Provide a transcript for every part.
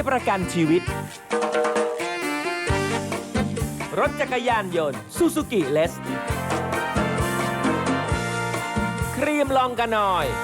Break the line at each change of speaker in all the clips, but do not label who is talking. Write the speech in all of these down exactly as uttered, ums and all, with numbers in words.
ประกันชีวิต รถจักรยานยนต์ซูซูกิเลสครีมลองกันหน่อย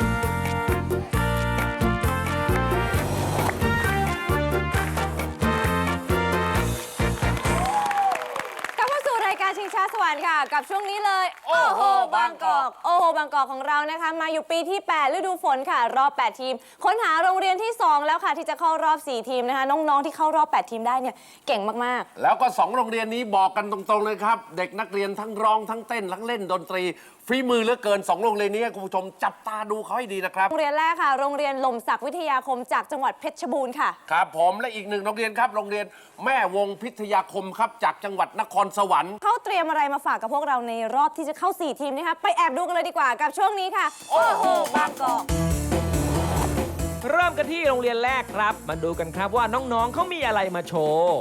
ชิงช้าสวรรค์ค่ะกับช่วงนี้เลยโอ้โหบางกอกโอ้โหบางกอกของเรานะคะมาอยู่ปีที่แปดฤดูฝนค่ะรอบแปดทีมค้นหาโรงเรียนที่สองแล้วค่ะที่จะเข้ารอบสี่ทีมนะคะน้องๆที่เข้ารอบแปดทีมได้เนี่ยเก่งมาก
ๆแล้วก็สองโรงเรียนนี้บอกกันตรงๆเลยครับเด็กนักเรียนทั้งร้องทั้งเต้นทั้งเล่นดนตรีฝีมือเหลือเกินสองโรงเรียนนี้คุณผู้ชมจับตาดูเขาให้ดีนะครับ
โรงเรียนแรกค่ะโรงเรียนหล่มสักวิทยาคมจากจังหวัดเพชรบูรณ์ค่ะ
ครับผมและอีกหนึ่งโรงเรียนครับโรงเรียนแม่วงพิทยาคมครับจากจังหวัดนครสวรรค์
เขาเตรียมอะไรมาฝากกับพวกเราในรอบที่จะเข้าสี่ทีมนะคะไปแอบดูกันเลยดีกว่ากับช่วงนี้ค่ะโอ้โหบางกอก
เริ่มกันที่โรงเรียนแรกครับมาดูกันครับว่าน้องๆเขามีอะไรมาโชว์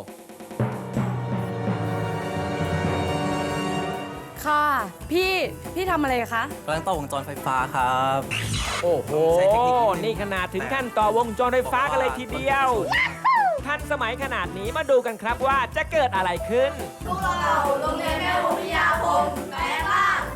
ค่ะพี่พี่ทำอะไรคะ
กำลังต่อวงจรไฟฟ้าครับ
โอ้โหนี่ขนาดถึงขั้นต่อวงจรไฟฟ้ากันเลยทีเดียวทันสมัยขนาดนี้มาดูกันครับว่าจะเกิดอะไรขึ้น
พวกเราโรงเรียนแม่วงพิทยาคมแปลงร่าง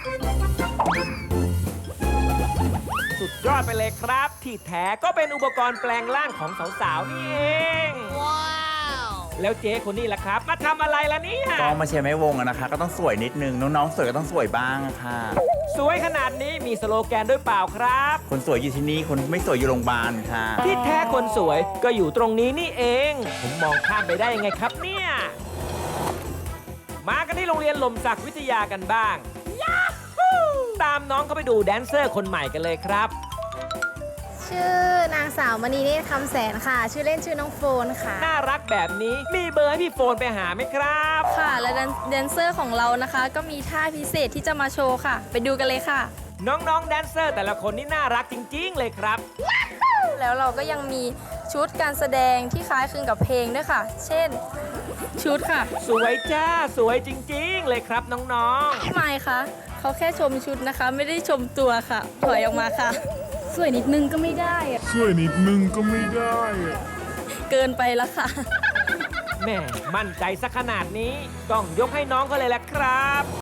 สุดยอดไปเลยครับที่แท้ก็เป็นอุปกรณ์แปลงร่างของสาวๆนี่เองว้าวแล้วเจ๊คนนี้ล่ะครับมาทำอะไรล่ะเนี่ย
ก็มาเชียร์แม่วงอะนะคะก็ต้องสวยนิดนึงน้องๆสวยก็ต้องสวยบ้างค่ะ
สวยขนาดนี้มีสโลแกนด้วยเปล่าครับ
คนสวยอยู่ที่นี่คนไม่สวยอยู่โรงพยาบาลค่ะ
ที่แท้คนสวยก็อยู่ตรงนี้นี่เองผมมองข้ามไปได้ยังไงครับเนี่ยมากันที่โรงเรียนหล่มสักวิทยากันบ้างตามน้องเขาไปดูแดนเซอร์คนใหม่กันเลยครับ
ชื่อนางสาวมณีเนตรคำแสนค่ะชื่อเล่นชื่อน้องโฟนค่ะ
น่ารักแบบนี้มีเบอร์ให้พี่โฟนไปหาไหมครับ
ค่ะและแดนเซอร์ของเรานะคะก็มีท่าพิเศษที่จะมาโชว์ค่ะไปดูกันเลยค่ะ
น้องๆแดนเซอร์แต่ละคนนี่น่ารักจริงๆเลยครับ
แล้วเราก็ยังมีชุดการแสดงที่คล้ายคลึงกับเพลงด้วยค่ะเช่นชุดค่ะ
สวยจ้าสวยจริงๆเลยครับน้อง
ๆไม่ค่ะเขาแค่ชมชุดนะคะไม่ได้ชมตัวค่ะถอยออกมาค่ะสวยนิดนึงก็ไม่ได้อะ
สวยนิดนึงก็ไม่ได้อะ
เกินไปแล้วค่ะ
แม่มั่นใจสักขนาดนี้ต้องยกให้น้องเขาเลยแหละครับ